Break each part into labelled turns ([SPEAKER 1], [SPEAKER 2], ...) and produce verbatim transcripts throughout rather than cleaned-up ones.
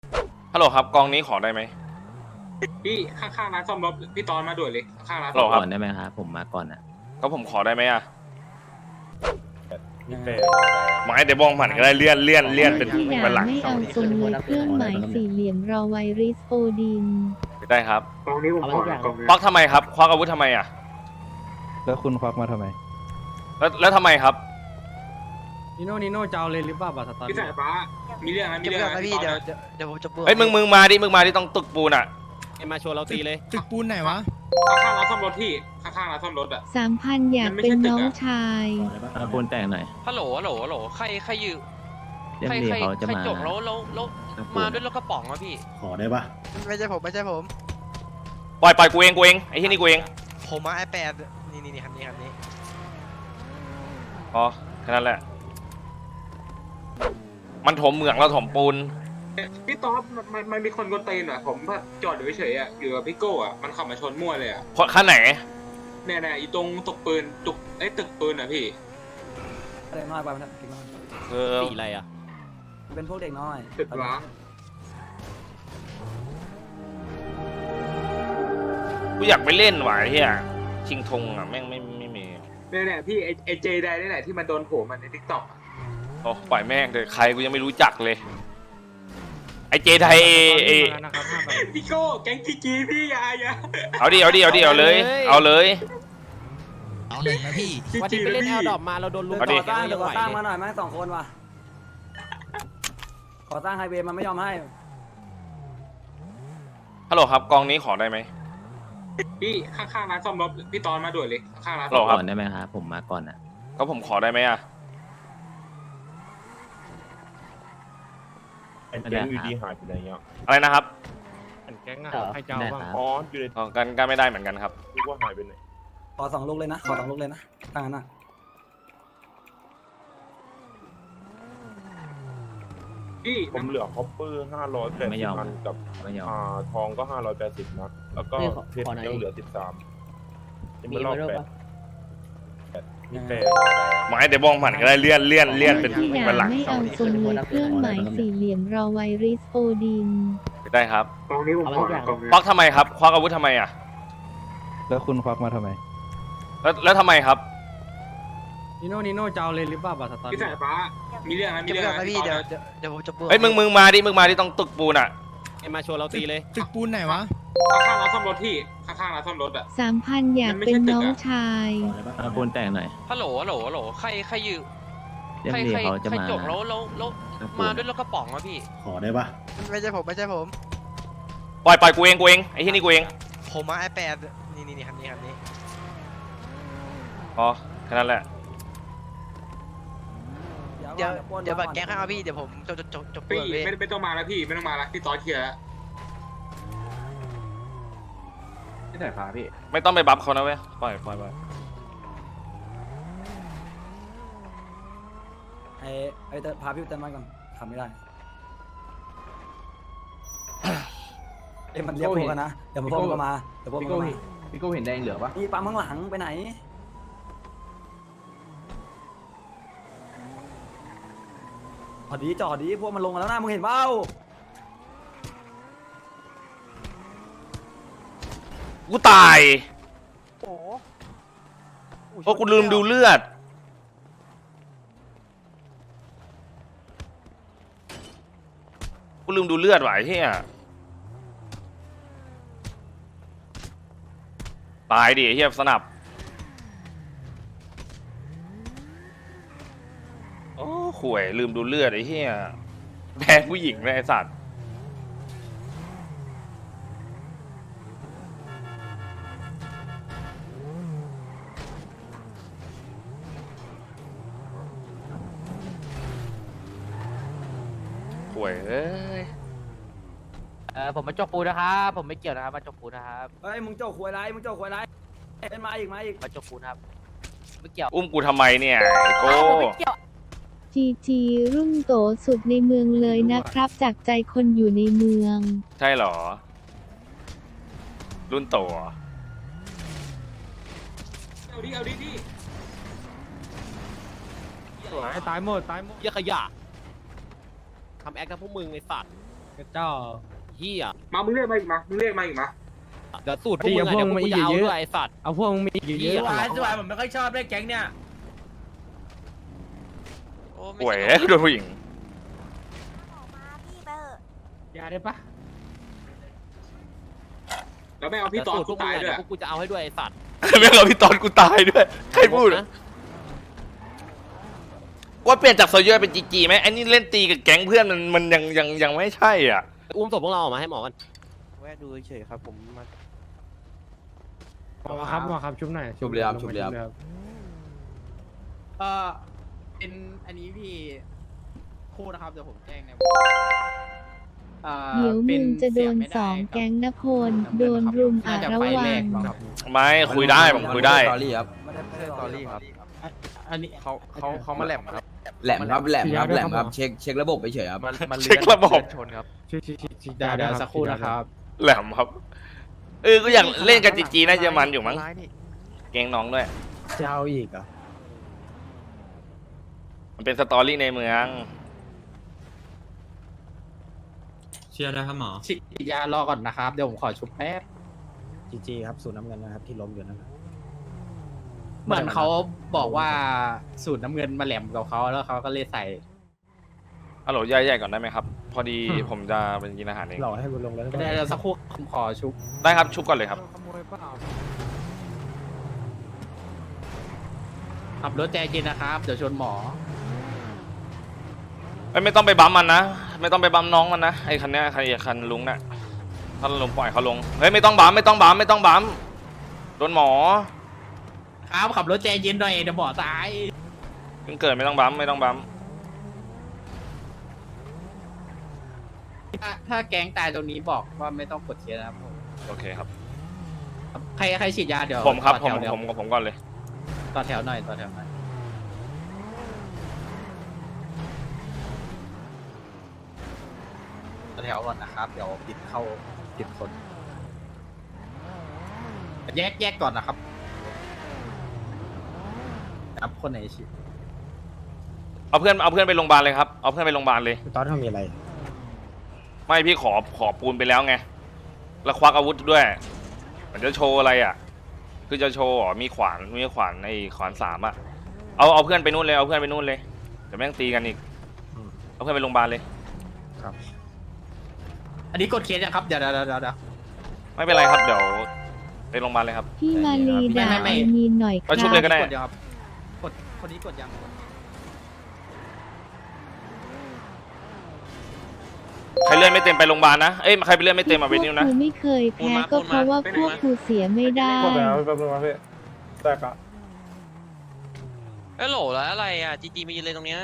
[SPEAKER 1] ฮัลโหลครับกองนี้ขอได้ไหม
[SPEAKER 2] พี่ข้างๆร้านซ่อมรถพี่ตอนมาด่วนเลยข้างๆร้าน
[SPEAKER 1] ฮัลโหล
[SPEAKER 2] ซ่อม
[SPEAKER 1] ค
[SPEAKER 2] ร
[SPEAKER 1] รับ
[SPEAKER 2] ถ
[SPEAKER 3] ได้ไหมครับผมมาก่อนอ่ะ
[SPEAKER 1] ก็ผมขอได้ไหมอ่ะไม้เดี๋ยวบองผ่านก็ได้เลื่อนเลื่อนเลื่อนเป็น
[SPEAKER 4] ที่ด่า
[SPEAKER 1] เป็นหลัง
[SPEAKER 4] ไม่เอาทรงเลยเครื่องหมายสี่เหลี่ยมรอไวริสโอดิน
[SPEAKER 1] ได้ครับ
[SPEAKER 2] กองนี้ผมขอนะกองนี้
[SPEAKER 1] ควักทำไมครับควักอาวุธทำไมอ่ะ
[SPEAKER 5] แล้วคุณควักมาทำไม
[SPEAKER 1] แล้วแล้วทำไมครับ
[SPEAKER 6] นิโน่นิโน่จะเอาเลยหรือเปล่าบัตรสตอ
[SPEAKER 2] พี่
[SPEAKER 6] รี่
[SPEAKER 2] สายฟ้ามีเรื่องนะมี
[SPEAKER 7] จะ
[SPEAKER 2] เรื่
[SPEAKER 7] เบื่
[SPEAKER 2] อง
[SPEAKER 7] อ
[SPEAKER 2] นะ
[SPEAKER 7] ไหมพี่
[SPEAKER 2] ตอน
[SPEAKER 7] เดี๋ยว
[SPEAKER 2] นะ
[SPEAKER 7] เดี๋ยวเดี๋ยวผมจะเบื่อ
[SPEAKER 1] เฮ้ยมึงมึงมาดิมึงมาดิต้องตึกปูนอ่ะ
[SPEAKER 6] มาชวนเราตีเลย
[SPEAKER 8] ตึกปูนไหนวะ
[SPEAKER 2] ข้างๆร้านซ่อมรถพี่ข้างๆร้านซ่อมรถอ่ะ
[SPEAKER 4] สามพันอยากเป็นน้องชาย
[SPEAKER 3] เอาปูนแต่งหน่อย
[SPEAKER 9] ฮัลโหลฮัลโหลฮัลโหลใครใครยืม
[SPEAKER 3] เดี๋ยว
[SPEAKER 9] ใคร
[SPEAKER 3] ดี
[SPEAKER 9] ใคร
[SPEAKER 3] เขาจะ
[SPEAKER 9] ใคร
[SPEAKER 3] มา
[SPEAKER 9] จกแล้วแล้วแล้ว
[SPEAKER 3] เอาปูน
[SPEAKER 9] มาด้วยรถกระป๋องอะพี่
[SPEAKER 8] ขอได้ปะ
[SPEAKER 7] ไม่ใช่ผมไม่ใช่ผม
[SPEAKER 1] ปล่อยปล่อยกูเองกูเองไอ้ที่นี่กูเอง
[SPEAKER 7] ผมมาไอแปดนี่นี่นี่คันนี้คันนี้
[SPEAKER 1] อ๋อแค่นั้นแหละ มันถมเหมืองเราถมปูน
[SPEAKER 2] พี่ตอนมันมันมีคนกดตีนอ่ะผมจอดอยู่เฉยๆอ่ะอยู่กับพี่โก้อ่ะมันขับมาชนมั่วเลยอ่ะ
[SPEAKER 1] คนขั้นไหน
[SPEAKER 2] เนี่ยเนี่ยอีตรงตกปืนตุกไอ้ตึกปืนอ่ะพี่
[SPEAKER 6] เด็กน้อยไปมันเด็กน้อย
[SPEAKER 1] เออ
[SPEAKER 6] สีอะไรอ่ะเป็นพวกเด็กน้อย
[SPEAKER 2] ตึกร้าง
[SPEAKER 1] กูอยากไปเล่นว่ะไอ้เฮียชิงธงอ่ะแม่งไม่ไม่มี
[SPEAKER 2] เนี่ยเนี่ยพี่ไอ้ไอ้เจไดนี่แหละที่มันโดนโผล่มันในทิกตอก
[SPEAKER 1] โอ้ปล่อยแม่งเลยใครกูยังไม่รู้จักเลย ไอ้เจไทยเอเอ
[SPEAKER 6] นะครับห้าใบ
[SPEAKER 2] พี่โก้แก๊งจีจีพี่อยาอย่า
[SPEAKER 1] เอาดิเอาดิเอาดิเอาเลย เอาเลย
[SPEAKER 8] เอาหนึ่งนะพี่
[SPEAKER 2] จี
[SPEAKER 6] วัน
[SPEAKER 2] จี
[SPEAKER 6] นี้ไป
[SPEAKER 2] เลย
[SPEAKER 6] เล่น
[SPEAKER 2] พี่
[SPEAKER 6] แอลดอปมาเราโดนลุม
[SPEAKER 1] เอาดิ
[SPEAKER 6] ก่อสร้างเดี๋ยวก่อสร้างมาหน่อยแม่งสองคนว่ะก่อสร้างไฮเวย์มันไม่ยอมให้
[SPEAKER 1] ฮัลโหลครับกองนี้ขอได้ไหม
[SPEAKER 2] พี่ข้างๆร้านซ่อมรถพี่ตอนมาด่วนเลยข้างๆร้าน
[SPEAKER 1] ฮัลโหล
[SPEAKER 2] ซ่อม
[SPEAKER 1] ค
[SPEAKER 2] ร
[SPEAKER 1] รับ
[SPEAKER 2] ถ
[SPEAKER 3] ก่อนได้ไหมครับผมมาก่อนอ่ะ
[SPEAKER 1] ก็ผมขอได้ไหมอ่ะ
[SPEAKER 10] ไอ้แก๊งอยู่ดีหายไปไหนเงี้ย
[SPEAKER 1] อะไรนะครับ
[SPEAKER 6] แก๊งอะใครจะเอาบ้าง
[SPEAKER 10] อ๋ออยู่ใน
[SPEAKER 1] อ๋อกันก็ไม่ได้เหมือนกันครับ
[SPEAKER 10] นึกว่าหายไปไหน
[SPEAKER 6] ขอสองลูกเลยนะขอสองลูกเลยนะตั้งนั้นอ่ะ
[SPEAKER 2] พี่
[SPEAKER 10] ผมเหลือคอปเปอร์ห้าร้อยแปด
[SPEAKER 3] ไม่
[SPEAKER 10] สิ
[SPEAKER 3] ย
[SPEAKER 10] บ
[SPEAKER 3] อม
[SPEAKER 10] อันกับ
[SPEAKER 3] ไม่ยอม
[SPEAKER 10] อ่าทองก็ห้าร้อยแปดสิบนะแล้วก็เพชรยังเหลือสิบสามยังไม่รอบแปดแปดมีแปด
[SPEAKER 1] ไม้เดี๋ยวบองผ่านก็ได้เลื่อนเลื่อนเลื่อนเป็น
[SPEAKER 4] ที่
[SPEAKER 1] เป็นหลั
[SPEAKER 4] ด่าง ไม่เอาทรงเลยเครื่องหมายสี่เหลี่ยมรอไวริสโอดิน
[SPEAKER 1] ได้ครับ
[SPEAKER 2] กองนี้ผมขอนะกองนี้
[SPEAKER 1] ควักทำไมครับควักอาวุธทำไมอ่ะ
[SPEAKER 5] แล้วคุณควักมาทำไม
[SPEAKER 1] แล้วแล้วทำไมครับ
[SPEAKER 6] นิโน่นิโน่จะเอาเลยหรือเปล่าบัตรสตอ
[SPEAKER 2] พี่
[SPEAKER 6] รี่
[SPEAKER 2] สายฟ้ามีเรื่องนะมี
[SPEAKER 7] จะ
[SPEAKER 2] เรื่
[SPEAKER 7] เบื่
[SPEAKER 2] อง
[SPEAKER 7] อไหม
[SPEAKER 2] นะ
[SPEAKER 7] พี่
[SPEAKER 2] พี่ต
[SPEAKER 7] เดี๋
[SPEAKER 2] อ
[SPEAKER 7] ยวน เดี๋ยวเดี๋ยวผมจะเบื่อ
[SPEAKER 1] เฮ้ยมึงมึงมาดิมึงมาดิต้องตึกปูนอ่ะ
[SPEAKER 6] มาชวนเราตีเลย
[SPEAKER 8] ตึกปูนไหนวะ
[SPEAKER 2] ข้างๆร้านซ่อมรถพี่ข้างๆร้านซ่อมรถอ่ะ
[SPEAKER 4] สามพันอยากเป็นน้องชาย
[SPEAKER 3] เอาปูนแต่งหน่อย
[SPEAKER 9] ฮัลโหลฮัลโหลฮัลโหลใครใครยืม
[SPEAKER 3] เดี๋ยว
[SPEAKER 9] ใคร
[SPEAKER 3] ดี
[SPEAKER 9] ใคร
[SPEAKER 3] เขาจะ
[SPEAKER 9] ใคร
[SPEAKER 3] มา
[SPEAKER 9] จกแล้วแล้วแล้ว
[SPEAKER 3] เอาปู
[SPEAKER 9] มาน ด้วยรถกระป๋องอะพี่
[SPEAKER 8] ขอได้ปะ
[SPEAKER 7] ไม่ใช่ผมไม่ใช่ผม
[SPEAKER 1] ปล่อยปล่อยกูเองกูเองไอ้ที่นี่กูเอง
[SPEAKER 7] ผมมาไอแปดนี่นี่นี่คันนี้คันนี้
[SPEAKER 1] อ๋อแค่นั้นแหละ
[SPEAKER 7] เดี๋ยวเดี๋ยวบัตรแก๊งข้างเอาพี่เดี๋ยวผมจะจะจะจะเบื่
[SPEAKER 2] พี่
[SPEAKER 7] อเว้ย
[SPEAKER 2] ไม่ไม่ต้องมาแล้วพี่ไม่ต้องมาแล้วพี่ตอนเคลียร์แล้ว
[SPEAKER 5] ที่ไหนพาพี่
[SPEAKER 1] ไม่ต้องไปบัฟเขานะเว้ยปล่อยปล่อยปล่อย
[SPEAKER 6] ไอ้ไอ้เติร์พาพี่เติร์มาก่อนทำไม่ได้เอ้ยมันเรียกพวกกันนะเดี๋ยวพวกมันก็มาเดี๋ยวพวกมันก็มา
[SPEAKER 5] พี่โก้เห็นแดงเหลือปะ
[SPEAKER 6] นี่ปั๊มข้างหลังไปไหนจอดดีจอดดีพวกมันลงมาแล้วนะมึงเห็นเปล่า
[SPEAKER 1] กูตายโอ้กูลืมดูเลือดกูลืมดูเลือดว่ะไอ้เหี้ยตายดิไอ้เหี้ยสนับโอ้ข่วยลืมดูเลือดไอ้เหี้ยแพ้ผู้หญิงเลยไอ้สัตว์ข่วยเอ้ย
[SPEAKER 9] เออผมมาจกปูนะครับผมไม่เกี่ยวนะครับมาจกปูนะครับ
[SPEAKER 6] เฮ้ยมึงเจ้าขวยไรมึงเจ้าขวยไรเอ็นมาอีกมาอีก
[SPEAKER 9] มาจกปูนะครับไม่เกี่ยว
[SPEAKER 1] อุ้มกูทำไมเนี่ยไอ้โก้
[SPEAKER 9] ผมไม่เกี่ยว
[SPEAKER 4] จีจีรุ่งโตสุดในเมืองเลยนะครับ จากใจคนอยู่ในเมือง
[SPEAKER 1] ใช่เหรอ รุ่นโตเหรอ
[SPEAKER 2] เอาดิเอาดิดิ
[SPEAKER 6] ตายหมดตายหมด
[SPEAKER 11] เหี้ยขยะทำแอคนะพวกมึงไอ้สัตว์
[SPEAKER 6] เอ
[SPEAKER 9] เจ้าเฮีย
[SPEAKER 2] มามึงเรียกมาอีกมามึงเรียกมาอีกมา
[SPEAKER 9] เดี๋ยวสูตรพวกมึงอะเดี๋ยวพวกกูจะเอาด้วยไอ้สัตว์
[SPEAKER 5] เอาพวกมึงมีอยู่เยอะ
[SPEAKER 9] สวยผมไม่ค่อยชอบด้วยแก๊งเนี่ย
[SPEAKER 7] โอ้ไม่
[SPEAKER 1] ป่วย
[SPEAKER 7] ใช่
[SPEAKER 1] โดนผู้หญิง
[SPEAKER 9] ยาได้ปะ
[SPEAKER 2] แล้วไม่เอาพี่ตอนกูตายด้วย
[SPEAKER 9] พวกกูจะเอาให้ด้วยไอ้สัตว์
[SPEAKER 1] แม่งเราพี่ตอนกูตายด้วยใครพูดอะว่าเปลี่ยนจากโซเยอร์เป็นจีจีไหมไอ้นี่เล่นตีกับแก๊งเพื่อนมันมันยังยังยังไม่ใช่อ่ะ
[SPEAKER 9] อุ้มศพพวกเราออกมาให้หมอกัน
[SPEAKER 7] แวะดูเฉยๆครับผมมา
[SPEAKER 5] มาครับมาครับชุบหน่อยชุบเลยครับชุบเลยครับ
[SPEAKER 9] เออเป็นอันนี้พี่คู่นะครับเดี๋ยวผมแจ้งใน
[SPEAKER 4] เดี๋ยวมึงจะโดนสองแก๊งนะพลโดนรุมอาระวัง
[SPEAKER 1] ไม่คุยได้ผมคุยได้
[SPEAKER 5] ตอรี่ครับ
[SPEAKER 6] ไม่ได้ไม่ได้ตอรี่ครับ
[SPEAKER 5] อันนี้
[SPEAKER 10] เขาเขาเขามาแหลมครับ
[SPEAKER 5] แหลมครับแหลมครับแหลมครับเช็คเช็คระบบไปเฉยครับ
[SPEAKER 10] มันมัน
[SPEAKER 1] เช็คระบบ
[SPEAKER 10] ชนครับ
[SPEAKER 5] ชิชิชิชิดาเดี๋ยวสักครู่นะครับ
[SPEAKER 1] แหลมครับเออก็อยากเล่นกับจีจีน่าจะมันอยู่มั้งเกงน้องด้วย
[SPEAKER 5] จะเอาอีกเหรอ
[SPEAKER 1] มันเป็นสตอรี่ในเมือง
[SPEAKER 8] เชียร์ได้ครับหมอ
[SPEAKER 9] ฉีดยารอก่อนนะครับ เดี๋ยวผมขอชุบแป๊บ
[SPEAKER 6] จีจีครับสูตรน้ำเงินนะครับที่ล้มอยู่นะครับ
[SPEAKER 9] เหมือนเขาบอกว่าสูตรน้ำเงินมาแหลมกับเขาแล้วเขาก็เลยใส่
[SPEAKER 1] ฮัลโหลย่อยๆก่อนได้ไหมครับ พอดีผมจะเป็นกินอาหารเอง
[SPEAKER 5] หล่อให้บุญลงแล้ว
[SPEAKER 9] ไม่ได้เดี๋ยวสักครู่ผมขอชุบ
[SPEAKER 1] ได้ครับชุบก่อนเลยครับ
[SPEAKER 9] ขับรถใจเย็นนะครับ เดี๋ยวชนหมอ
[SPEAKER 1] เอ้ยไม่ต้องไปบัมมันนะ ไม่ต้องไปบัมน้องมันนะไอ้คันเนี้ยคันคันลุงน่ะถ้าลุงปล่อยเขาลงเฮ้ยไม่ต้องบัมไม่ต้องบัมไม่ต้องบัมโดนหมอ
[SPEAKER 9] ครับขับรถใจเย็นหน่อยเดี๋ยวหมอตาย
[SPEAKER 1] เพิ่งเกิดไม่ต้องบัมไม่ต้องบัม
[SPEAKER 9] ถ้าถ้าแก๊งตายตรงนี้บอกว่าไม่ต้องกดเคสนะครับผม
[SPEAKER 1] โอเคครับ
[SPEAKER 9] ใครใครฉีดยาเดี๋ยว
[SPEAKER 1] ผมครับ
[SPEAKER 9] ต่
[SPEAKER 1] ผ
[SPEAKER 9] อ
[SPEAKER 1] ม
[SPEAKER 9] แถวเดี๋ยว
[SPEAKER 1] ผมกับผมก่อนเลย
[SPEAKER 9] ต่อแถวหน่อยต่อแถวหน่อยต่อแถวก่อนนะครับ เดี๋ยวปิดเข้าปิดคนแยกแยกก่อนนะครับครับคนไหนฉีด
[SPEAKER 1] เอาเพื่อนเอาเพื่อนไปโรงพยาบาลเลยครับเอาเพื่อนไปโรงพยาบาลเลย
[SPEAKER 5] ตอนทำมีอะไร
[SPEAKER 1] ไม่พี่ขอขอปูนไปแล้วไงแล้วควักอาวุธด้วยมันจะโชว์อะไรอ่ะคือจะโชว์อ๋อมีขวานมีขวานในขวานสามอ่ะเอาเอาเพื่อนไปนู่นเลยเอาเพื่อนไปนู่นเลยเดี๋ยวแม่งตีกันอีกเอาเพื่อนไปโรงพยาบาลเลย
[SPEAKER 9] อันนี้กดเคสยังครับเดี๋ยวเดี๋ยวเดี๋ยวเดี๋ยว
[SPEAKER 1] ไม่เป็นไรครับเดี๋ยวไปโรงพยาบาลเลยครับ
[SPEAKER 4] พี่มาลีด่า
[SPEAKER 9] ไม่ไม่
[SPEAKER 4] ไอมีนหน่อยค
[SPEAKER 1] เอาชุบ
[SPEAKER 4] รั
[SPEAKER 1] เลย
[SPEAKER 4] บ
[SPEAKER 1] ก็ได้
[SPEAKER 9] กดเดี๋ยวครับกดคนนี้กดยัง
[SPEAKER 1] ใครเลื่อนไม่เต็มไปโรงพยาบาลนะเอ้ยใครไปเลื่อนไม่เต็มมาเวนิวนะ
[SPEAKER 4] พวกกูไม่เคยแพ้ก็เพราะว่าพวกกูเสียไม่ได้
[SPEAKER 10] กดแล้วแป๊บนึงนะพี่แตกอะ
[SPEAKER 7] เอ้ยโหลแล้วอะไรอ่ะจีจีมายืนเลยตรงเนี้ย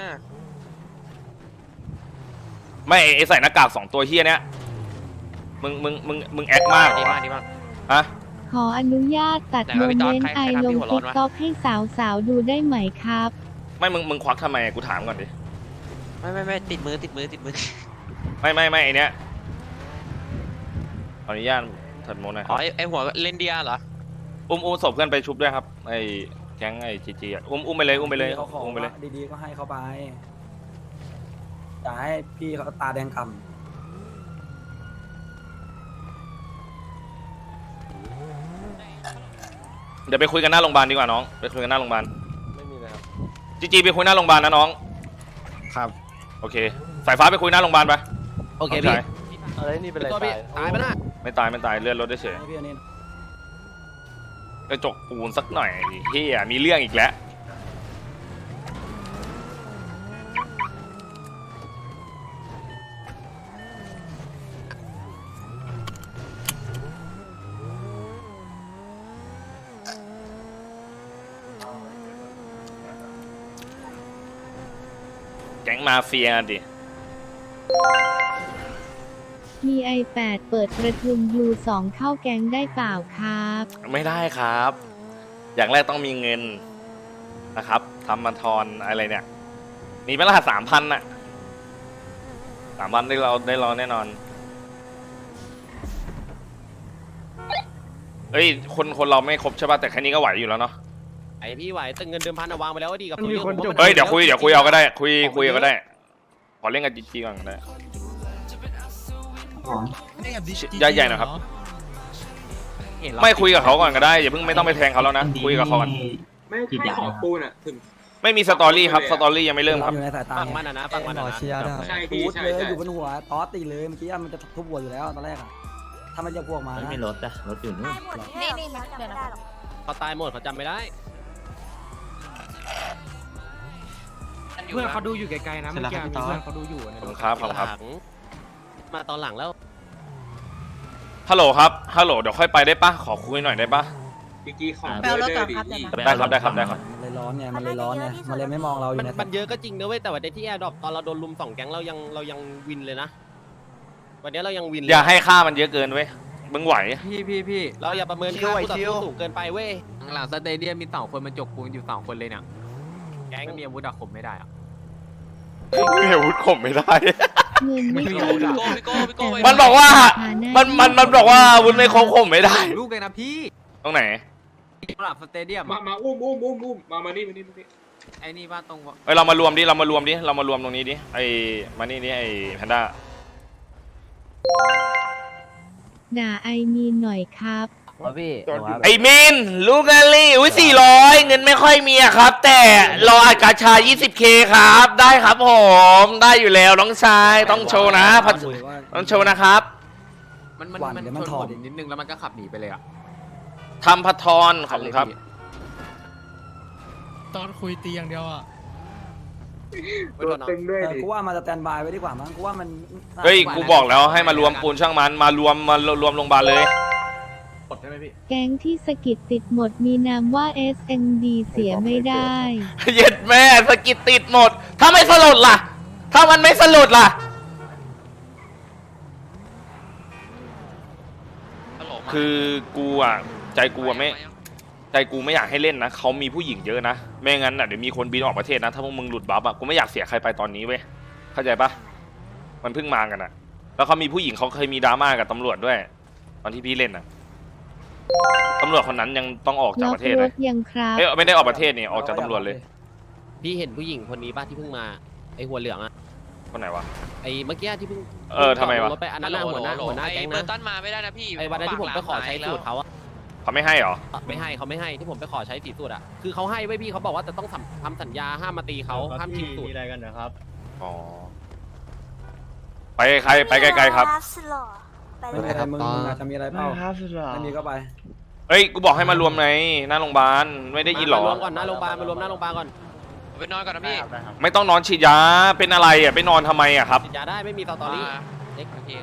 [SPEAKER 1] ไม่ไอใส่หน้ากากสองตัวเฮียเนี้ยมึงมึงมึงมึงแอคมาก
[SPEAKER 7] ดีมากดีมาก
[SPEAKER 1] ฮะ
[SPEAKER 4] ขออนุญาตตัด
[SPEAKER 7] ไหน
[SPEAKER 4] โม
[SPEAKER 7] วะพี่
[SPEAKER 4] เม
[SPEAKER 7] ตอน
[SPEAKER 4] นต์
[SPEAKER 7] ใคร
[SPEAKER 4] ไอ
[SPEAKER 7] ใครทำ
[SPEAKER 4] ล
[SPEAKER 7] พี่
[SPEAKER 4] ง
[SPEAKER 7] หัวร้อ
[SPEAKER 4] ติ๊
[SPEAKER 7] น
[SPEAKER 4] ก
[SPEAKER 7] วะ
[SPEAKER 4] ต็อกให้สาวๆดูได้ไหมครับ
[SPEAKER 1] ไม่มึงมึงควักทำไมกูถามก่อนดิ
[SPEAKER 7] ไม่ไม่ไม่ติดมือติดมือติดมือ
[SPEAKER 1] ไม่ไม่ไม่ไอเนี้ยขออนุญาตถัดโมหน่อยค
[SPEAKER 7] อ๋
[SPEAKER 1] รั
[SPEAKER 7] อบ ไอไอหัวเลนเดียเหรอ
[SPEAKER 1] อุ้มอุ้มศพเพื่อนไปชุบด้วยครับไอแก๊งไอจีจีอ่ะอุ้มอุ้มไปเลยอุ้มไปเลย
[SPEAKER 6] เขาขอ
[SPEAKER 1] อุ้มไปเลย
[SPEAKER 6] ดีๆก็ให้เขาไปอย่าให้พี่เขาตาแดงกำ
[SPEAKER 1] เดี๋ยวไปคุยกันหน้าโรงพยาบาลดีกว่าน้องไปคุยกันหน้าโรงพยาบาล
[SPEAKER 10] ไม่มีเลยครับ
[SPEAKER 1] จีจีไปคุยหน้าโรงพยาบาลนะน้อง
[SPEAKER 5] ครับ
[SPEAKER 1] โอเคสายฟ้าไปคุยหน้าโรงพยาบาลไป
[SPEAKER 9] โอเคพี่
[SPEAKER 10] อะไรนี่เป็นไร
[SPEAKER 9] ตัวพี่ตายไปนะ
[SPEAKER 1] ไม่ตายไม่ตายเลื่อนรถได้เฉย
[SPEAKER 6] ให้พี่อันนี้
[SPEAKER 1] กระจกปูนสักหน่อยเฮียมีเรื่องอีกแล้วแก๊งมาเฟียดิ
[SPEAKER 4] มี ไอ แปด เปิดประทุม ยู สอง เข้าแก๊งได้เปล่าครับ
[SPEAKER 1] ไม่ได้ครับ อย่างแรกต้องมีเงินนะครับทำมาทอนอะไรเนี่ย มีเป็นรหัสสามพันน่ะสามพันได้เราได้เราแน่นอนเอ้ยคนคนเราไม่ครบใช่ป่ะแต่แค่นี้ก็ไหวอยู่แล้วเนาะ
[SPEAKER 9] ไอพี่ไหวแต่เงินเดิมพันเอาวางไปแล้วดีกับ
[SPEAKER 5] มีคนจบ
[SPEAKER 1] เฮ้ยเดี๋ยวคุยเดี๋ยวคุยเอาก็ได้คุยคุยเอาก็ได้ขอเล่นกับจีจีก่อนก็ได้ใหญ่ใหญ่หนะครับ ไม่คุยกับเขาก่อนก็ได้อย่าเพิ่งไม่ต้องไปแทงเขาแล้วนะคุยกับเขาก่อน
[SPEAKER 2] ไม่ใช่ขอปูนอ่ะถึง
[SPEAKER 1] ไม่มีสตอรี่ครับสตอรี่ยังไม่เริ่มครับ
[SPEAKER 6] อยู่ในสายตา
[SPEAKER 9] ฝั่งมันอ่ะนะฝั่งมัน
[SPEAKER 6] หม
[SPEAKER 9] อ่ะ
[SPEAKER 6] อ
[SPEAKER 9] นะ
[SPEAKER 6] เชียร์ได้
[SPEAKER 2] ใช่พี่
[SPEAKER 6] พูด
[SPEAKER 2] ใช่
[SPEAKER 6] เลย
[SPEAKER 2] ใช่
[SPEAKER 6] อยู่บนหัวตอสตีเลยเมื่อกี้มันจะทุบหัวอยู่แล้วตอนแรกอะถ้ามันจะพวกมา
[SPEAKER 3] ไม่
[SPEAKER 6] นะ
[SPEAKER 3] มีรถอะรถอยู่นู่น
[SPEAKER 4] นี่นี่มาเดี๋ยวนะ
[SPEAKER 9] เขาตายหมดเขาจำไม่ได้
[SPEAKER 7] เพื่อนเขาดูอยู่ไกลๆนะ
[SPEAKER 3] เมื่อกี้มีเพื่อนเขาดู
[SPEAKER 1] ขอบคุณครับขอบคุณครับ
[SPEAKER 9] หลังมาตอนหลังแล้ว
[SPEAKER 1] ฮัลโหลครับฮัลโหลเดี๋ยวค่อยไปได้ปะขอคุยหน่อยได้ปะ
[SPEAKER 2] พี่กี้ของ
[SPEAKER 4] แปลรถก่อน
[SPEAKER 2] ดิ
[SPEAKER 4] ครับเดี๋ยวนะ
[SPEAKER 1] ได้ครับได้ครับได้ครับ
[SPEAKER 6] มันเลยร้อนไงมันเลยร้อนไงมันเลยไม่มองเราอ
[SPEAKER 9] มัน
[SPEAKER 6] ยู่ใน
[SPEAKER 9] มันเยอะก็จริงนะเว้ยแต่วันนี้ที่แอร์ดรอปตอนเราโดนลุมสองแก๊งเรายังเรายังวินเลยนะวันนี้เรายังวินเลย
[SPEAKER 1] อย่าให้ค่ามันเยอะเกินเว้ยมึงไหว
[SPEAKER 9] พี่พี่พี่เราอย่าประเมินค่าคู่ต่อสู้สูงเกินไปเว้ย
[SPEAKER 11] หลังสเตเดียมมีสองคนมันจกปูนอยู่สองคนเลยเนี่ย
[SPEAKER 9] แก๊ง
[SPEAKER 11] ไม่มีอาวุธอะข่มไม่ได้อะ
[SPEAKER 1] ไม่อาวุธข่มไม่ได้
[SPEAKER 4] เงินไม่
[SPEAKER 11] ไม่
[SPEAKER 4] ใช่
[SPEAKER 11] รู้
[SPEAKER 4] ห
[SPEAKER 11] อะ
[SPEAKER 4] ลัก
[SPEAKER 7] พี่โก้พี่โก้
[SPEAKER 1] มันบอกว่า มันมันมันบอกว่าอาวุธไม่ครบข่มไม่ได้
[SPEAKER 11] ลูกเลยนะพี่
[SPEAKER 1] ตรงไหน
[SPEAKER 11] หลังสเตเดียม
[SPEAKER 2] มามาอุ้มอุ้มอุ้มอุ้มมามานี่มานี่มานี่
[SPEAKER 11] ไอ้นี่ว่าตรง
[SPEAKER 1] เอ้ยเรามารวมดิเรามารวมดิเรามารวมตรงนี้ดิไอมานี่ดิไอแพนด้า
[SPEAKER 4] ด่าไอมีนหน่อยครับ
[SPEAKER 5] พี่
[SPEAKER 1] ไอมินลูกาลี่อุ้ยสี่ร้อยเงินไม่ค่อยมีอะครับ แต่รออัดกาชา ยี่สิบเค ครับ ได้ครับผมได้อยู่แล้วน้องชายต้องโชว์นะพัดต้องโชว์นะครับ
[SPEAKER 11] มันมันมันชนผมนิดนึงแล้วมันก็ขับหนีไปเลยอะ
[SPEAKER 1] ทำพัททรขอบคุณครับ
[SPEAKER 8] ตอนคุยตีอย่างเดียวอ่ะ
[SPEAKER 2] ตัวตึงด้วย
[SPEAKER 6] เออ
[SPEAKER 2] ดิ
[SPEAKER 6] กูว่ามาสแตนบายไว้ดีกว่ามั้งกูว่ามัน
[SPEAKER 1] เฮ้ยกูบอกแล้วให้มารวมปูนช่างมันมารวมมารวมโรงพยาบาลเลย
[SPEAKER 4] แก๊งที่สกิดติดหมดมีนามว่า เอส เอ็น ดี เสียไม่ได้
[SPEAKER 1] เย็ดแม่สกิดติดหมด ถ้าไม่สลดล่ะ ถ้ามันไม่สลดล่ะ คือกูอ่ะใจกูอ่ะไม่ใจกูไม่อยากให้เล่นนะเขามีผู้หญิงเยอะนะไม่งั้นอ่ะเดี๋ยวมีคนบินออกประเทศนะถ้าพวกมึงหลุดบัฟอ่ะกูไม่อยากเสียใครไปตอนนี้เว้ยเข้าใจปะมันเพิ่งมากันอ่ะ แล้วเขามีผู้หญิงเขาเคยมีดราม่ากับตำรวจด้วย ตอนที่พี่เล่นอ่ะตำรวจคนนั้นยังต้องออกจาก
[SPEAKER 4] ล็อ
[SPEAKER 1] ป
[SPEAKER 4] ก
[SPEAKER 1] ระเทศ
[SPEAKER 4] ร
[SPEAKER 1] เลย
[SPEAKER 4] ถยังครับ
[SPEAKER 1] เอ้ยไม่ได้ออกประเทศนี่ออกจากตำรวจเลย
[SPEAKER 9] พี่เห็นผู้หญิงคนนี้ป่ะที่เพิ่งมาไอหัวเหลืองอะ
[SPEAKER 1] คนไหนวะ
[SPEAKER 9] ไอเมื่อกี้ที่เพิ่ง
[SPEAKER 1] เออทำไมวะ
[SPEAKER 9] รถไปอันนั้นน่ะหัวหน้าหัวหน้าแก๊ง
[SPEAKER 7] เบอ
[SPEAKER 9] นะ
[SPEAKER 7] ร์ตันมาไม่ได้นะพี่
[SPEAKER 9] ไอวันนั้นที่ผมไปขอใช้สูตรเขาอะ
[SPEAKER 1] เขาไม่ให้เหรอ
[SPEAKER 9] ไม่ให้เขาไม่ให้ที่ผมไปขอใช้สีสูตรอะคือเขาให้ไว้พี่เขาบอกว่าจะต้องทำสัญญาห้ามมาตีเขาห้ามชิงสูตร
[SPEAKER 1] อ๋อไปใครไปไกลๆครับ
[SPEAKER 6] ไม่เป็นไรมึงมึงอาจจะมีอะไรเปล่าไม่มีก็ไป
[SPEAKER 1] เฮ้ยกูบอกให้มารวมในหน้าโรงพยาบาลไม่ได้ยินหรอ
[SPEAKER 9] มารวมก่อนหน้าโรงพยาบาลมารวมหน้าโรงพยาบาลก่อน
[SPEAKER 7] ไปนอนก่อนนะพี่
[SPEAKER 1] ไม่ต้องนอนฉีดยาเป็นอะไรอ่ะไปนอนทำไมอ่ะครับ
[SPEAKER 9] ฉีดยาได้ไม่มีสตอรี่
[SPEAKER 7] เล็กโอเค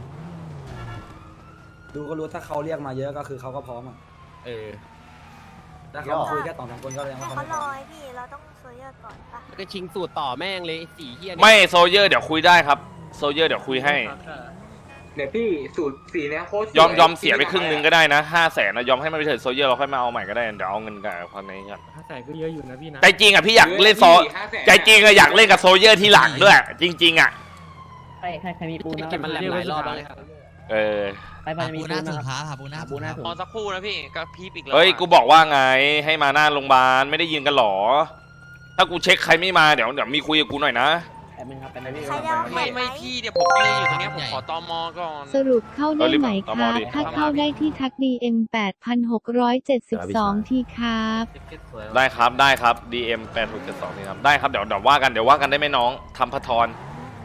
[SPEAKER 6] ดูก็รู้ถ้าเขาเรียกมาเยอะก็คือเขาก็พร้อมอ่ะ
[SPEAKER 9] เออ
[SPEAKER 6] ถ้าเขาคุยแค่สองสามคนก็ยัง
[SPEAKER 4] ให้
[SPEAKER 6] เขา
[SPEAKER 4] เขา
[SPEAKER 6] ไม่พ
[SPEAKER 4] ร
[SPEAKER 6] ร้อ
[SPEAKER 4] อ
[SPEAKER 6] ม
[SPEAKER 4] พี่เราต้องโซเยอร์ก่อนปะ
[SPEAKER 9] แล้วก็ชิงสูตรต่อแม่งเลยสีเฮีย
[SPEAKER 1] ไม่โซเยอร์เดี๋ยวคุยได้ครับโซเยอร์เดี๋ยวคุยให้
[SPEAKER 2] เดี๋ยวพี่สูตรสีเนี้ยโคตรสวย
[SPEAKER 1] ยอมยอมเสียไปครึ่งนึงก็ได้นะห้าแสนนะยอมให้มันไปเถิดโซเยอร์เราค่อยมาเอาใหม่ก็ได้เดี๋ยวเอาเงินกับคนนี้กัน
[SPEAKER 8] ถ้าใส่ก็เยอะอยู่นะพี่นะ
[SPEAKER 1] ใจจริงอ่ะพี่อยากเล่นโซ
[SPEAKER 2] ห้าแสน
[SPEAKER 1] ใจจริงอะอยากเล่นกับโซเยอร์ที่หลังด้วย จริง ๆอ่ะ
[SPEAKER 3] ใครใครใครมีปูน
[SPEAKER 9] เก็บมันแหลมหลายรอบแล้ว
[SPEAKER 1] เออ
[SPEAKER 3] ไปไปจะมีปูนนะครับหาปูนหาปูนหาปูน
[SPEAKER 7] รอสักครู่นะพี่ก็พีบอีกแล้ว
[SPEAKER 1] เฮ้ยกูบอกว่าไงให้มาหน้าโรงพยาบาลไม่ได้ยินกันหรอ ถ้ากูเช็คใครไม่มาเดี๋ยวเดี๋ยวมีคุยกับกูหน่อยนะ
[SPEAKER 3] แป๊บนึงครับแป๊บนึง
[SPEAKER 4] ใครจะเอาแผ
[SPEAKER 7] ไม่
[SPEAKER 4] นไหม
[SPEAKER 7] ไม่พี่เดี๋ยวผมยืนอยู่ตรงเนี้ยผมขอตอมอก่อน
[SPEAKER 4] สรุปเข้าได้ไหมค
[SPEAKER 1] เอารี
[SPEAKER 4] รั
[SPEAKER 1] บบ
[SPEAKER 4] ถ้าเข้าได้ที่ทัก ดี เอ็ม แปดพันหกร้อยเจ็ดสิบสอง ทีครับ
[SPEAKER 1] ได้ครับได้ครับ ดี เอ็ม แปดหกเจ็ดสองนี่ครับได้ครับเดี๋ยวเดี๋ยวว่ากันเดี๋ยวว่ากันได้ไหมน้องทำพัททร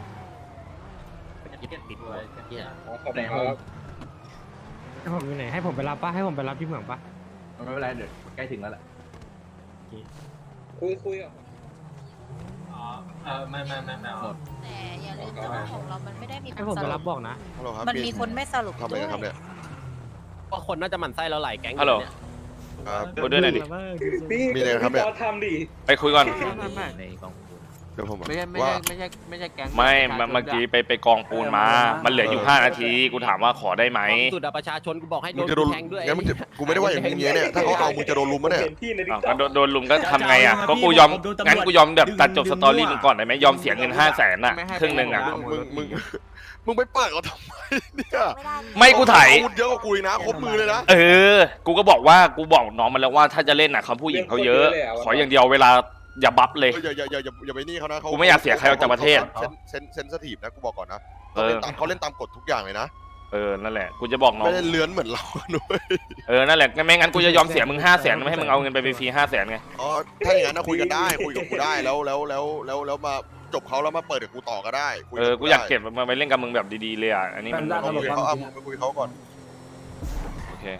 [SPEAKER 2] ขอบคุณครับ
[SPEAKER 8] ให้ผมอยู่ไหนให้ผมไปรับป่ะให้ผมไปรับที่เหมืองป่ะ
[SPEAKER 5] ไม่เป็นไรเดี๋ยวใกล้ถึงแล้วแหละ
[SPEAKER 2] คุยคุยอ่ะ
[SPEAKER 11] เออไม่ไม่ไม่ไม่
[SPEAKER 4] แต่อย่าลืมนะว่าของเรามันไม่ได้มี
[SPEAKER 8] ให้ผมไปรับบอกนะ
[SPEAKER 4] มันมีคนไม่สรุปด้วย
[SPEAKER 9] ก็คนน่าจะหมั่นไส้เราหลายแก๊ง
[SPEAKER 1] ฮัลโหล
[SPEAKER 9] เนี่ย
[SPEAKER 1] คุยด้วยหน่อยดิ
[SPEAKER 2] พี่มีอะไรครับเนี่ยทำดิ
[SPEAKER 1] ไปคุยก่อน
[SPEAKER 3] ในกองปูน
[SPEAKER 5] เดี๋ยวผม
[SPEAKER 11] ไม่ใช่ไม่ใช่ไม่ใช่ไม่ใช่แก๊ง
[SPEAKER 1] ไม่เมื่อเมื่อกี้ไปไปกองปูนมา มันเหลืออยู่ห้านาทีกูถามว่าขอได้ไหม
[SPEAKER 9] สุดอะประชาชนกูบอกให้โด
[SPEAKER 5] มึง
[SPEAKER 9] น
[SPEAKER 5] จะโดน
[SPEAKER 9] แทงด้วย
[SPEAKER 5] งั้นมึงจะกูไม่ได้ว่าอย่างมึงเนี้ยเนี่ยถ้าเขาเอามึงจะโดนลุมมะเนี่ย
[SPEAKER 2] เห็นพี่ในดิ
[SPEAKER 1] อ้าวก็โดนโดนลุมก็ทำไงอ่ะก็กูยอมงั้นกูยอมแบบตัดจบสตอรี่มึงก่อนได้ไหมยอมเสียเงินห้าแสนอ่ะครึ่งหนึ่งอ่ะ
[SPEAKER 5] มึงมึงมึงไปเปิดเขาทำไมเนี่ย
[SPEAKER 1] ไม่กูถ่าย
[SPEAKER 5] อาวุธเยอะกว่ากูอีกนะครบมือเลยนะ
[SPEAKER 1] เออ กูก็บอกว่ากูบอกน้องมันแล้วว่าถ้าจะเล่นอ่ะเขาผู้หญิงเขาเยอะ ขออย่างเดียวเวลาอย่าบัฟเลย
[SPEAKER 5] อย่าอย่าอย่าอย่าอย่าไปนี่เขานะเขา
[SPEAKER 1] กูไม่อยากเสียใครออกจากประเทศ
[SPEAKER 5] เซนเซนเซนสทีฟนะกูบอกก่อนนะ
[SPEAKER 1] เอ
[SPEAKER 5] เขา
[SPEAKER 1] อ
[SPEAKER 5] เล่นตามเขาเล่นตามกฎทุกอย่างเลยนะ
[SPEAKER 1] เออนั่นแหละกูจะบอกน้อง
[SPEAKER 5] ไม่ได้เลื้อนเหมือนเราด้วย
[SPEAKER 1] เออนั่นแหละไม่งั้นกูจะยอมเสียมึงห้าแสนไม่ให้มึงเอาเงินไปฟรีห้าแสนไง
[SPEAKER 5] อ๋อถ้าอย่างนั้นนะคุยกันได้คุยกับกูได้แล้วแล้วแล้วแล้วแล้วมาจบเขาแล้วมาเปิดกับกูต่อก็ได้คุ
[SPEAKER 1] เออกูอยากเก็บมาไปเล่นกับมึงแบบดีๆเลยอ่ะอันนี้มัน
[SPEAKER 5] เขาคุยเขาเอาไปคุยเขาก่อน
[SPEAKER 1] โอเค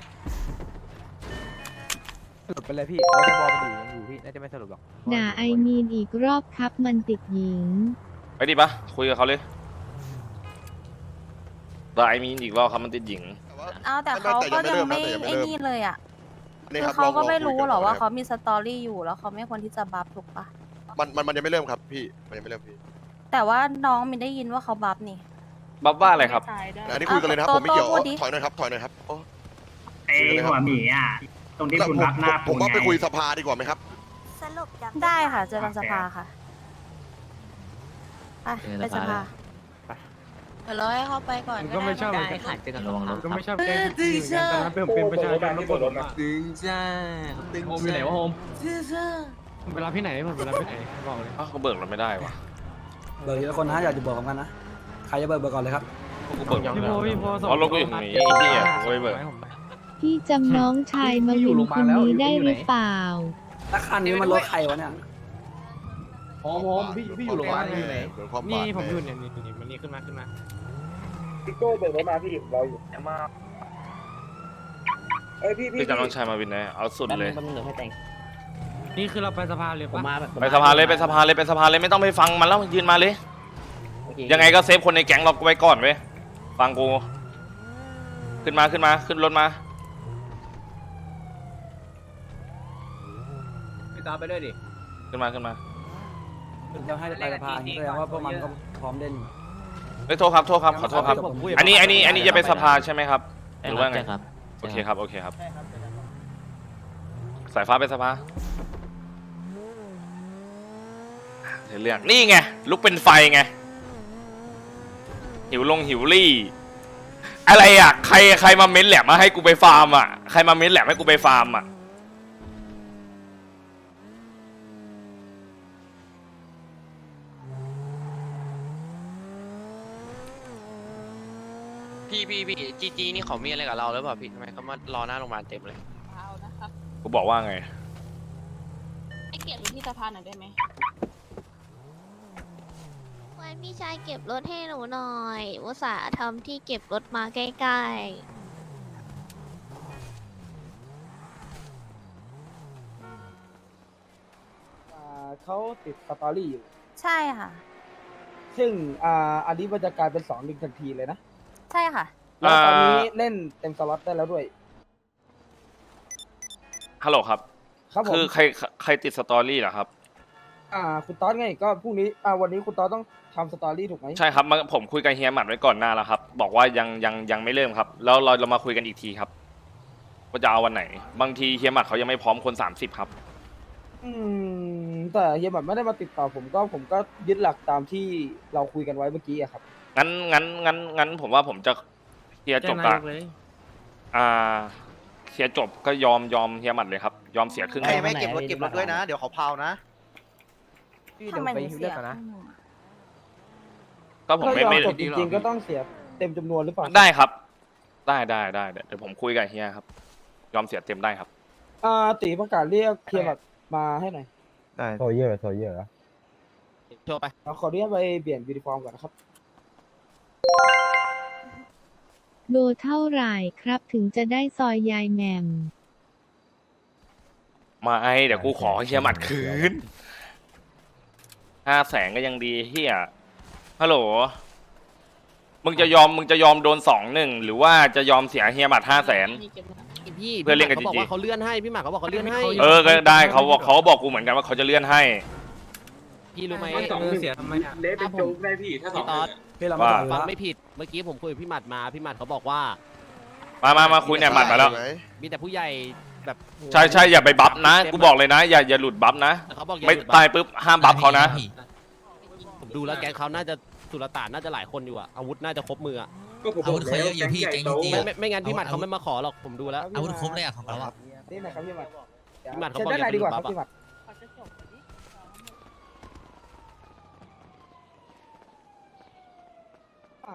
[SPEAKER 6] สรุปไปเลยพี่เราจะบอลมันอยู่ยังอยู่พี่น่าจะไม่สรุปหรอก
[SPEAKER 4] ด่าไอมีนอีกรอบครับมันติดหญิง
[SPEAKER 1] ไปดิปะคุยกับเขาเลยแต่ไอมีนอีกรอบครับมันติดหญิง
[SPEAKER 5] เอา
[SPEAKER 12] แต่เขาก็ยังไม่ไอ้นี่เลยอ่ะคือเขาก็ไม่รู้หรอว่าเขามีสตอรี่อยู่แล้วเขาไม่ควรที่จะบัฟถูกปะ
[SPEAKER 5] มันมันมันยังไม่เริ่มครับพี่มันยังไม่เริ่มพี่
[SPEAKER 12] แต่ว่าน้องมินได้ยินว่าเขาบัฟนี่
[SPEAKER 1] บัฟว่าอะไรครับ
[SPEAKER 5] อันนี้คุยกันเลยนะครับผมไม่เกี่ยวถอยหน่อยครับถอยหน่อยครับ
[SPEAKER 8] ไอหัวหมีอ่ะตรงที่คุณรับหน้า
[SPEAKER 5] ผมว่าไปคุยสภาดีกว่าไหมครับ
[SPEAKER 12] ได้ค่ะเจอกันสภาค่ะไปไปสภา
[SPEAKER 3] เดี๋ยวรอให้เขาไปก่อน
[SPEAKER 8] ก็ไม่ชอบ
[SPEAKER 3] ได้ค่ะเจอกันระวังรถก็ไม่ชอบแกล้งพี่เหมือนกันแต่ถ้าเป็นผมเป็นประชาชนแล้วกดรถมา
[SPEAKER 11] ดึงจ้าดึง
[SPEAKER 8] โฮมอยู่ไหนวะโฮม
[SPEAKER 11] จ้า
[SPEAKER 8] ผมไปรับที่ไหนผมไปรับที่ไหนบอกเลย
[SPEAKER 1] อ้าวเขาเบิกเราไม่ได้วะ
[SPEAKER 6] เบิกทีละคนนะอยากจะบอกกันนะใครจะเบิกเบิกก่อนเลยครับ
[SPEAKER 1] กูเบิก
[SPEAKER 8] พี่โพพี่โพส่ง
[SPEAKER 1] อ๋อรถกูอยู่ตรงนี้ไอ้เหี้ยกูไม่เบิก
[SPEAKER 4] พี่จำน้องชายมาวินคนนี้ได้หรือเปล่า
[SPEAKER 6] ถ้าคันนี้มันรถใครวะเนี่ย
[SPEAKER 8] โฮมโฮมพี่พี่อยู่โรงพยาบาลอยู่ไหน
[SPEAKER 5] ความ
[SPEAKER 8] นี่
[SPEAKER 5] บาด
[SPEAKER 8] ผมอยู่เนี่ยนี่นี่มันนี่ขึ้นมาขึ้นมา
[SPEAKER 10] พี่โก้เบิกรถมาพี่เราอยู่มาเอ้ยพี่พี่
[SPEAKER 1] พี่จะน้องชายมาวินนะเอาสุดเลย
[SPEAKER 3] มันเหลือให้แต่ง
[SPEAKER 8] นี่คือเราไปสภาเลย
[SPEAKER 3] ผม
[SPEAKER 8] ปะ
[SPEAKER 3] มาแบบ
[SPEAKER 1] ไปสภาเลยไปสภาเลยไปสภาเลยไม่ต้องไปฟังมันแล้วยืนมาเลย ยังไงก็เซฟคนในแก๊งเราไว้ก่อนเว้ยฟังกูขึ้นมาขึ้นมาขึ้นรถมา
[SPEAKER 9] พี่ตามไปด้วยดิ
[SPEAKER 1] ขึ้นมาขึ้นมา
[SPEAKER 6] จะให้ไปสภาแสดงว่าพวกมันก็พร้อมเล่น
[SPEAKER 1] เฮ้ยโทษครับโทษครับขอโทษครับอันนี้อันนี้อันนี้จะไปสภาใช่ไหมครับหรือว่าไง
[SPEAKER 3] ครับ
[SPEAKER 1] โอเคครับโอเคครับสายฟ้าไปสภาเรื่องนี่ไงลุกเป็นไฟไงหิวลงหิวรี่อะไรอ่ะใครใครมาเม้นแหลมมาให้กูไปฟาร์มอ่ะใครมาเม้นแหลมให้กูไปฟาร์มอ่ะ
[SPEAKER 7] พี่พี่พี่จีจีนี่เขามีอะไรกับเราหรือเปล่าพี่ทำไมเขามารอหน้าโรงพยาบาลเต็มเลย
[SPEAKER 1] กูบอกว่าไง
[SPEAKER 12] ไอเกียรติที่สภาหน่อยได้ไหม
[SPEAKER 4] ไว้พี่ชายเก็บรถให้หนูหน่อยอุตส่าห์ทำที่เก็บรถมาใกล้ๆ
[SPEAKER 6] เขาติดสตอรี่อยู่
[SPEAKER 12] ใช่ค่ะ
[SPEAKER 6] ซึ่งอ่าอันนี้มันจะกลายเป็นสองลิงทันทีเลยนะ
[SPEAKER 12] ใช่ค่ะ
[SPEAKER 6] แล้วตอนนี้เล่นเต็มสล็อตได้แล้วด้วย
[SPEAKER 1] ฮัลโหลครับ
[SPEAKER 6] ครับผม
[SPEAKER 1] คือใครใครติดสตอรี่เหรอครับ
[SPEAKER 6] อ่าคุณต๊อดไงก็พรุ่งนี้อ่าวันนี้คุณต๊อดต้องทำสตอรี่ถูกไหม
[SPEAKER 1] ใช่ครับมาผมคุยกับเฮียหมัดไว้ก่อนหน้าแล้วครับบอกว่ายังยังยังไม่เริ่มครับ แล้วเราเรามาคุยกันอีกทีครับว่าจะเอาวันไหน บางทีเฮียหมัดเขายังไม่พร้อมคนสามสิบครับ
[SPEAKER 6] อืมแต่เฮียบัตรไม่ได้มาติดต่อผมก็ผมก็ยึดหลักตามที่เราคุยกันไว้เมื่อกี้อะครับ
[SPEAKER 1] งั้นงั้นงั้นงั้นผมว่าผมจะเฮียจบกับอ่าเฮียจบก็ยอมยอมเฮียหมัดเลยครับยอมเสียครึ่งหนึ่ง
[SPEAKER 3] ไม่เก็บรถเก็บรถด้วยนะ
[SPEAKER 7] เดี๋ยวเขาเผานะ
[SPEAKER 6] พี่เดี๋ยวไปฮิวเลือกกันนะ
[SPEAKER 1] ก็ผม
[SPEAKER 6] ถ้า
[SPEAKER 1] ไม่
[SPEAKER 6] ยอม
[SPEAKER 1] ไม่
[SPEAKER 6] จบจริงๆก็ต้องเสียเต็มจำนวนหรือเปล่า
[SPEAKER 1] ได้ครับ ได้ได้ได้เดี๋ยวผมคุยกับเฮียครับ ยอมเสียเต็มได้ครับ
[SPEAKER 6] อ่าตีประกาศเรียกเฮียบัตรมาให้หน่อย
[SPEAKER 10] ได้โซเยอร์โซเยอร์
[SPEAKER 7] โชว์ไป
[SPEAKER 6] เราขออนุญาตไปเปลี่ยนยูนิฟอร์มก่อนนะครับ
[SPEAKER 4] โลเท่าไหร่ครับถึงจะได้ซอยยายแหม่ม
[SPEAKER 1] มาไอเดี๋ยวกูขอเฮียหมัดคืนห้าแสนก็ยังดีเฮียฮัลโหลมึงจะยอมมึงจะยอมโดนสองหนึ่งหรือว่าจะยอมเสียเฮียหมัดห้าแสน
[SPEAKER 7] พี่
[SPEAKER 1] เพื่อนเล่นกับ
[SPEAKER 7] เขาบอก
[SPEAKER 1] จีจี
[SPEAKER 7] ว่าเขาเลื่อนให้พี่หมากเขาบอกเขาเลื่อนให้
[SPEAKER 1] เออก็ได้เขาบอกเขาบอกกูเหมือนกันว่าเขาจะเลื่อนให้
[SPEAKER 7] พี่รู้ไหม
[SPEAKER 2] สองห
[SPEAKER 8] เออ
[SPEAKER 2] นึ่ง
[SPEAKER 8] เสียทำไมอ่ะ
[SPEAKER 2] เละเป็นโจ๊กได้พี่ถ้าสองหนึ่งอะ
[SPEAKER 6] พี่เราไม่ต่ออยู่
[SPEAKER 7] ฟัง
[SPEAKER 6] แล้ว
[SPEAKER 7] ไม่ผิดเมื่อกี้ผมคุยกับพี่หมัดมาพี่หมัดเขาบอกว่า
[SPEAKER 1] มามามาคุยเนี่ยหมัดมาแล้ว
[SPEAKER 7] มีแต่ผู้ใหญ่แบบ
[SPEAKER 1] ใช่ใช่อย่าไปบัฟนะกูบอกเลยนะอย่าอย่าหลุดบัฟนะ
[SPEAKER 7] แต่เขาบอกอย่า
[SPEAKER 1] ไม่
[SPEAKER 7] หลุด
[SPEAKER 1] ตายปุ๊บห้ามบัฟเขานะ
[SPEAKER 7] ผมดูแล้วแก๊งเขาน่าจะสุลต่านน่าจะหลายคนอยู่อะอาวุธน่าจะครบมืออะ
[SPEAKER 2] ก็ผมบอกแล้วแก๊งใหญ่โต
[SPEAKER 7] ไม่ไม่ไม่งั้นพี่หมัดเขาไม่มาขอหรอกผมดูแล้ว
[SPEAKER 3] อาวุธครบเลยอ่ะของเราอ่ะ
[SPEAKER 6] นี่นะครับพี่หมัด
[SPEAKER 7] พี่หมัดเขา
[SPEAKER 6] เชิญ
[SPEAKER 7] บอก
[SPEAKER 6] ด้านในดีกว่าครับ
[SPEAKER 7] อย่า
[SPEAKER 6] พี่หมัด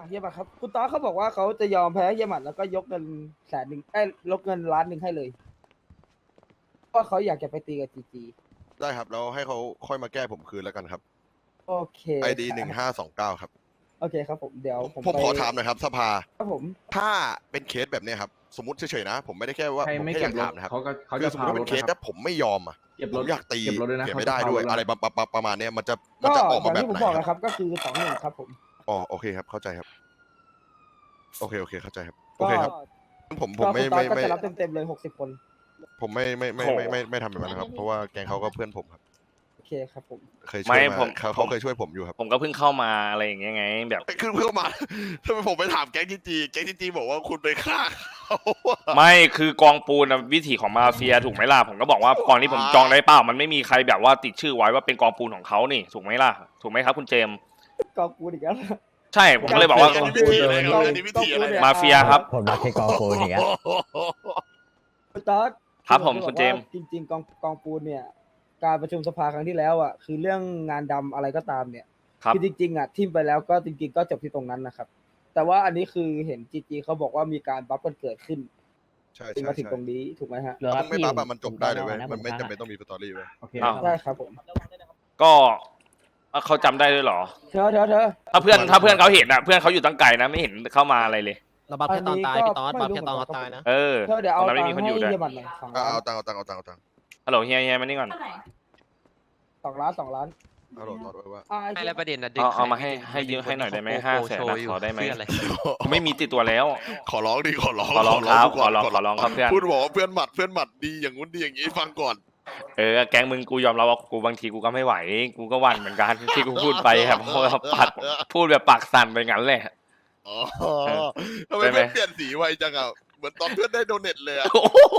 [SPEAKER 6] เฮียหมัดครับคุณตอสเขาบอกว่าเขาจะยอมแพ้เฮียหมัดแล้วก็ยกเงินแสนหนึ่งเอ้ยลดเงินล้านหนึ่งให้เลยเพราะเขาอยากจะไปตีกับจีจี
[SPEAKER 5] ได้ครับแล้วให้เขาค่อยมาแก้ผมคืนแล้วกันครับ
[SPEAKER 6] โอเค
[SPEAKER 5] ไอดีหนึ่งห้าสองเก้าครับ
[SPEAKER 6] โอเคครับผมเดี๋ยวผม
[SPEAKER 5] ผม
[SPEAKER 6] ไป
[SPEAKER 5] ขอถามหน่อยครับสภา
[SPEAKER 6] ครับผม
[SPEAKER 5] ถ้าเป็นเคสแบบเนี้ยครับสมมติเฉยๆนะ ผมไม่ได้แค่ว่า
[SPEAKER 3] ใคร
[SPEAKER 5] ผม
[SPEAKER 3] ไม่
[SPEAKER 5] แค่อ
[SPEAKER 3] เก็
[SPEAKER 5] ยา
[SPEAKER 3] บ
[SPEAKER 5] ก
[SPEAKER 3] รถ
[SPEAKER 5] ถามนะครับ
[SPEAKER 3] เขาก็เขา
[SPEAKER 5] คื
[SPEAKER 3] จะ
[SPEAKER 5] อสมมติว่าเป็นเคส
[SPEAKER 3] นะ
[SPEAKER 5] ถ้าผมไม่ยอมอ่ะ
[SPEAKER 3] เก็บ
[SPEAKER 5] ผ
[SPEAKER 3] รถ
[SPEAKER 5] มอยากตี
[SPEAKER 3] เก็บรถด้วยนะ
[SPEAKER 5] เก็บไม่ได้ด้วย
[SPEAKER 3] เขาจะ
[SPEAKER 5] อะไรประประประมาณเนี้ยมันจะมัน
[SPEAKER 6] ก็
[SPEAKER 5] จะออก
[SPEAKER 6] อ
[SPEAKER 5] มา
[SPEAKER 6] ย่าง
[SPEAKER 5] แบบ
[SPEAKER 6] ที่ผม
[SPEAKER 5] ไหน
[SPEAKER 6] บอก
[SPEAKER 5] ค
[SPEAKER 6] นะ
[SPEAKER 5] รับ
[SPEAKER 6] ครับก็คือสองหนึ่งครับผม
[SPEAKER 5] อ๋อโอเคครับเข้าใจครับ โอเคโอเคเข้าใจครับโอ
[SPEAKER 6] ก็
[SPEAKER 5] เคครับผมผ
[SPEAKER 6] ก็
[SPEAKER 5] ม
[SPEAKER 6] คุ
[SPEAKER 5] ไม่
[SPEAKER 6] ณตอ
[SPEAKER 5] ไม่
[SPEAKER 6] สก็
[SPEAKER 5] ไม่
[SPEAKER 6] จะรับเต็มๆเลยหกสิบคน
[SPEAKER 5] ผมไม่ไม่ไม่ไม่ไม่ไม่ทำแบบนั้นนะครับ เพราะว่าแกงเขาก็เพื่อนผมครับ
[SPEAKER 6] โอเคครับผม
[SPEAKER 5] เคยช่
[SPEAKER 1] ไม่
[SPEAKER 5] วย
[SPEAKER 1] ผม
[SPEAKER 5] มาเขาเขาเคยช่วยผมอยู่ครับ
[SPEAKER 1] ผมก็เพิ่งเข้ามาอะไรอย่างเงี้ยไงแบบ
[SPEAKER 5] คือเพื่อมา ทำไมผมไปถามแก๊งจีจีแก๊งจีจีบอกว่าคุณไปฆ่าเขาอะ
[SPEAKER 1] ไม่คือกองปูนน่ะวิถีของมาเฟียถูกไหมล่ะผมก็บอกว่ากองที่ผมจองได้เปล่ามันไม่มีใครแบบว่าติดชื่อไว้ว่าเป็นกองปูนของเขานี่ถูกไหมล่ะถูกไหมครับคุณเจมส์
[SPEAKER 6] กองกูอีกแล้ว
[SPEAKER 1] ใช่ผมก็เลยบอกว่า
[SPEAKER 5] อันนี้วิธีอะไรครับอันนี้วิธีอะไร
[SPEAKER 1] มาเฟียครับ
[SPEAKER 8] ผมรักแค่กองปูนอย่างเงี้ย
[SPEAKER 6] คุณตอส
[SPEAKER 1] ครับผม
[SPEAKER 6] อ
[SPEAKER 1] คุณ
[SPEAKER 6] จะ
[SPEAKER 1] เจ
[SPEAKER 6] บอก
[SPEAKER 1] มส์
[SPEAKER 6] ว่าจริง ๆ กองกองปูนเนี่ย การประชุมสภาครั้งที่แล้วอ่ะคือเรื่องงานดำอะไรก็ตามเนี่ย
[SPEAKER 1] ครับ
[SPEAKER 6] คือจริงๆอ่ะทิมไปแล้วก็จริงๆก็จบที่ตรงนั้นนะครับ แต่ว่าอันนี้คือเห็นจีจีเขาบอกว่ามีการบัฟกันเกิดขึ้น
[SPEAKER 5] ใช่
[SPEAKER 6] จน
[SPEAKER 5] ใช่
[SPEAKER 6] มาถึง
[SPEAKER 5] ใช่
[SPEAKER 6] ตรงนี้ถูกไหมฮะ
[SPEAKER 5] ถ้ามึงไม่บัฟอะมันจบได้เลยเว้ยมันไม่จำเป็นต้องมีสตอรี่เว้ย
[SPEAKER 3] โอเค
[SPEAKER 1] อ้าว
[SPEAKER 6] ใช่ครับผม
[SPEAKER 1] ก็อ่ะเขาจำได้ด้วยเหรอ
[SPEAKER 6] เธอเธอเธอ
[SPEAKER 1] ถ้าเพื่อนถ้าเพื่อนเขาเห็นอ่ะเพื่อนเขาอยู่ตั้งไกลนะไม่เห็นเข้ามาอะไรเลย
[SPEAKER 7] เราบัฟแค่ตอนตาย
[SPEAKER 6] อันนี้
[SPEAKER 7] พี่ตอส
[SPEAKER 6] ก็
[SPEAKER 7] บัฟแค่ตอน
[SPEAKER 6] ไม่รู้
[SPEAKER 7] เขาตายนะ
[SPEAKER 1] เออ
[SPEAKER 6] เธอเดี๋ยวเอา
[SPEAKER 1] ตรงนั้น
[SPEAKER 6] ตั
[SPEAKER 1] ไม่
[SPEAKER 6] ง
[SPEAKER 1] มี
[SPEAKER 6] ค์
[SPEAKER 1] คน
[SPEAKER 6] ให้
[SPEAKER 1] อยู่ด้วย
[SPEAKER 6] เฮียบัตรหน่อยสอง
[SPEAKER 5] อ่ะ
[SPEAKER 6] ล้าน
[SPEAKER 5] เอาตังค์เอาตังค์เอาตังค์เอาตังค์
[SPEAKER 1] ฮัลโหลเฮียเฮียมานี่ก่อน
[SPEAKER 6] สองล้านสองล้าน
[SPEAKER 5] เอาโหลดไว้ว่า
[SPEAKER 6] อ่า
[SPEAKER 11] ไม่แล้วประเด็นนะ
[SPEAKER 1] เอาเอามาให้ให้ยืมให้หน่อยได้ไหมห้าแสนนะขอได้ไหมผมไม่มีติดตัวแล้ว
[SPEAKER 5] ขอร้องดิขอร้อง
[SPEAKER 1] ขอร้องครับ
[SPEAKER 5] ก่น
[SPEAKER 1] ขอร้องขอร้องครับเพื่อน
[SPEAKER 5] พูดบอกว่าเพื่อนหมัดเพื่อนหมัดดีอย่างงู้นดีอย่างงี้ฟังก่อน
[SPEAKER 1] เออแก๊งมึงกูยอมรับว่ากูบางทีกูก็ไม่ไหว กูก็หวั่นเหมือนกันที่กูพูดไปครับเพราะว่าปากพูดแบบปากสั่นไปงั้นแหละ
[SPEAKER 5] อ๋อทำไม
[SPEAKER 1] ได้ไหม
[SPEAKER 5] เพื่อนเปลี่ยนสีไวจังอ่ะเหมือนตอนเพื่อนได้โดเน็ตเลยอ่ะ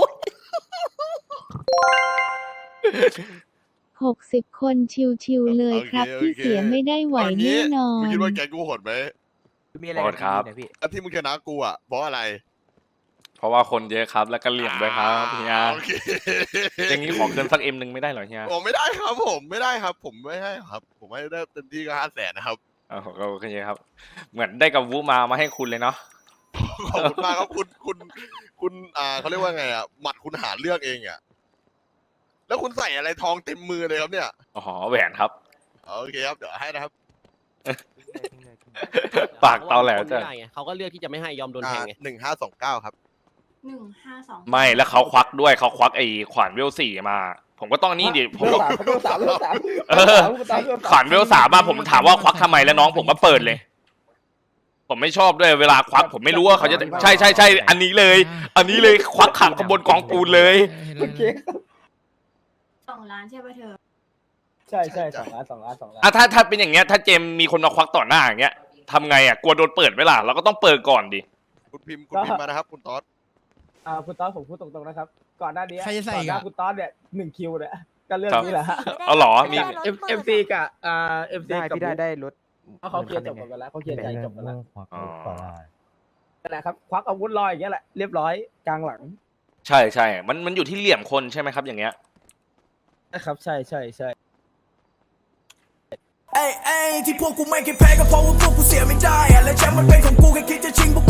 [SPEAKER 4] หกสิบคนชิวๆเลยครับ ที่เสียไม่ได้ไหวแน่นอ
[SPEAKER 5] มึง
[SPEAKER 4] น
[SPEAKER 5] คิดว่าแกกูโหดไหม
[SPEAKER 9] มีอะไร
[SPEAKER 1] โทษครับ
[SPEAKER 9] ดีๆนะพี่
[SPEAKER 5] อันที่มึงชนะกูอ่ะเพราะอะไร
[SPEAKER 1] เพราะว่าคนเยอะครับแล้วก็เหลี่ยมด้วยครับเฮีย
[SPEAKER 5] โอเค
[SPEAKER 1] อย่างนี้ขอเกินสักเอ็มหนึ่งไม่ได้เหรอเฮีย
[SPEAKER 5] ผมไม่ได้ครับผมไม่ได้ครับ ผมไม่ให้ครับ ผมให้ได้เต็มที่ก็ห้าแสนนะครับ
[SPEAKER 1] เออก็โอเคครับ เหมือนได้กับวูมามาให้คุณเลยเนาะ
[SPEAKER 5] ขอบคุณมากครับคุณคุณคุณอ่าเขาเรียกว่าไงอ่ะหมัดคุณหาเลือกเองอ่ะแล้วคุณใส่อะไรทองเต็มมือเลยครับเนี่ย
[SPEAKER 1] อ๋อแหวนครับ
[SPEAKER 5] โอเคครับเดี๋ยวให้นะครับ
[SPEAKER 1] ปากเตาแหลว
[SPEAKER 7] เขา
[SPEAKER 1] จ้ะ
[SPEAKER 7] ไม่ได้ไงเขาก็เลือกที่จะไม่ให้ยอมโดนแทงไง
[SPEAKER 5] หนึ่งห้าสองเก้าครับ
[SPEAKER 12] หนึ่งห้าสอง
[SPEAKER 1] ไม่แล้วเขาควักด้วยเขาควักไอ้ขวานเวลสี่มา ผมก็ต้องนี่ดิผม
[SPEAKER 6] เรื่อง
[SPEAKER 1] ก็
[SPEAKER 6] สามเรื่องสามเรื่องสาม
[SPEAKER 1] เออ ขวานเวลสามมาผมถามว่าควักทำไมแล้วน้องผมก็เปิดเลย ผมไม่ชอบด้วยเวลาควัก ผมไม่รู้ว่าเขาจะใช่ใช่ใช่อันนี้เลย อันนี้เลยควักขังขบวนกองปูนเลย
[SPEAKER 6] โอเคครับ
[SPEAKER 12] สองล้านใช่ป่ะเธอ
[SPEAKER 6] ใช่ใช่สองล้านสองล้านสองล้าน
[SPEAKER 1] อ่ะถ้าถ้าเป็นอย่างเงี้ยถ้าเจมมีคนมาควักต่อหน้าอย่างเงี้ยทำไงอ่ะกลัวโดนเปิดไหมล่ะเราก็ต้องเปิดก่อนดิ
[SPEAKER 5] คุณพิมพ์คุณพิมพ์มานะครับ คุณต๊อด
[SPEAKER 6] อ่าคุณต๊อดผมพูดตรงๆนะครับ ก่อนหน้านี้
[SPEAKER 3] ใครจะใส่
[SPEAKER 6] ก่อน
[SPEAKER 3] อีก
[SPEAKER 6] หน้า
[SPEAKER 3] อะ
[SPEAKER 6] คุณต๊อดเนี่ยหนึ่งคิวเนี่ยก็เรื่องนี้แหละฮะ
[SPEAKER 1] เอาเหรอมี
[SPEAKER 6] เอ็มเอ็มซีกับอ่าเอ็มซี
[SPEAKER 3] ได้
[SPEAKER 6] กับ
[SPEAKER 3] พี่ได้ได้รถ
[SPEAKER 6] เขาเขาเคลียร์จบกันไปแล้วเขาเคลียร์ใจจบกันแล้ว
[SPEAKER 1] อ๋อ
[SPEAKER 6] นั่นแหละครับควักอาวุธลอยอย่างเงี้ยแหละเรียบร้อยกลางหลัง
[SPEAKER 1] ใช่ใช่มันมันอยู่ที่เหลี่ยมคนใช่ไหมครับอย่างเงี้ย
[SPEAKER 6] นะครับใช่ใช่ใช่
[SPEAKER 13] เอ้ยเอ้ยที่พวกกูไม่เคยแพ้ก็เพราะว่าพวกกูเสียไม่ได้อะและแชมป์มันเป็นของกูแค่คิดจะชิงพวก